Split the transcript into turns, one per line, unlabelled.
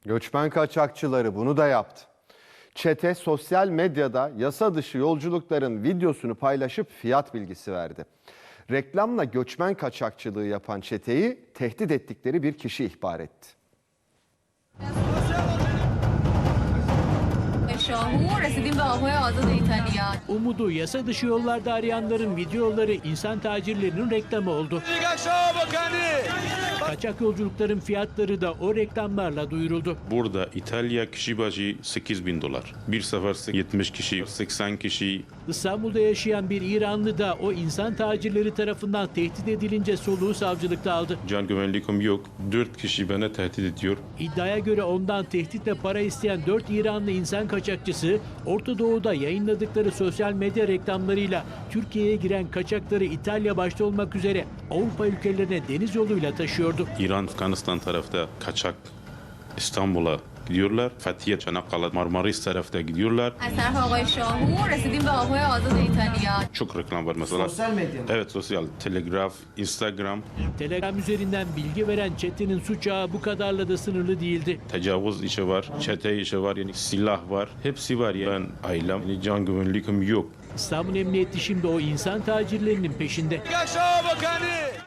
Göçmen kaçakçıları bunu da yaptı. Çete sosyal medyada yasa dışı yolculukların videosunu paylaşıp fiyat bilgisi verdi. Reklamla göçmen kaçakçılığı yapan çeteyi tehdit ettikleri bir kişi ihbar etti.
Umudu yasa dışı yollarda arayanların videoları insan tacirlerinin reklamı oldu. Kaçak yolculukların fiyatları da o reklamlarla duyuruldu.
Burada İtalya kişi başı $8.000. Bir sefer 70 kişi, 80 kişi.
İstanbul'da yaşayan bir İranlı da o insan tacirleri tarafından tehdit edilince soluğu savcılıkta aldı.
Can güvenliğim yok. 4 kişi bana tehdit ediyor.
İddiaya göre ondan tehditle para isteyen 4 İranlı insan kaçakçısı Orta Doğu'da yayınladıkları sosyal medya reklamlarıyla Türkiye'ye giren kaçakları İtalya başta olmak üzere Avrupa ülkelerine deniz yoluyla taşıyordu.
İran, Afganistan tarafta kaçak İstanbul'a gidiyorlar. Fethiye, Çanakkale, Marmaris tarafta gidiyorlar. Çok reklam var mesela.
Sosyal medya mı?
Evet, sosyal. Telegraf, Instagram.
Telegram üzerinden bilgi veren çetenin suç ağı bu kadarla da sınırlı değildi.
Tecavüz işi var, çete işi var, yani silah var. Hepsi var ya. Ben ailem, yani can güvenliğim yok.
İstanbul Emniyeti şimdi o insan tacirlerinin peşinde.